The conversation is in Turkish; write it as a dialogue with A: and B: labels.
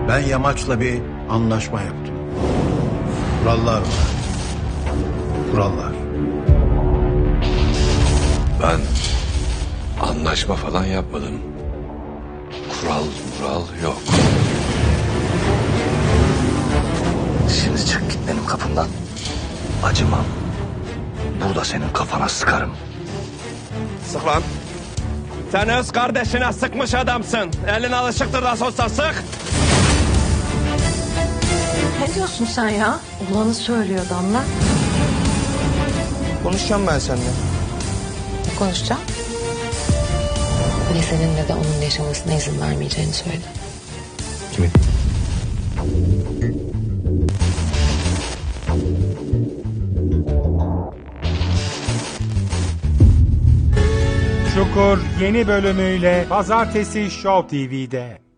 A: Ben Yamaç'la bir anlaşma yaptım. Kurallar var. Kurallar.
B: Ben anlaşma falan yapmadım. Kural yok.
C: Şimdi çık git benim kapımdan. Acımam. Burada senin kafana sıkarım.
D: Sık lan. Sen öz kardeşine sıkmış adamsın. Elin alışıktır da olsa sık.
E: Ne diyorsun sen ya? Olanı söylüyor Damla.
D: Konuşacağım ben seninle.
E: Ne konuşacağım?
F: Ne senin ne de onun yaşamasına izin vermeyeceğini söyledi.
B: Kimin?
G: Çukur yeni bölümüyle Pazartesi Show TV'de.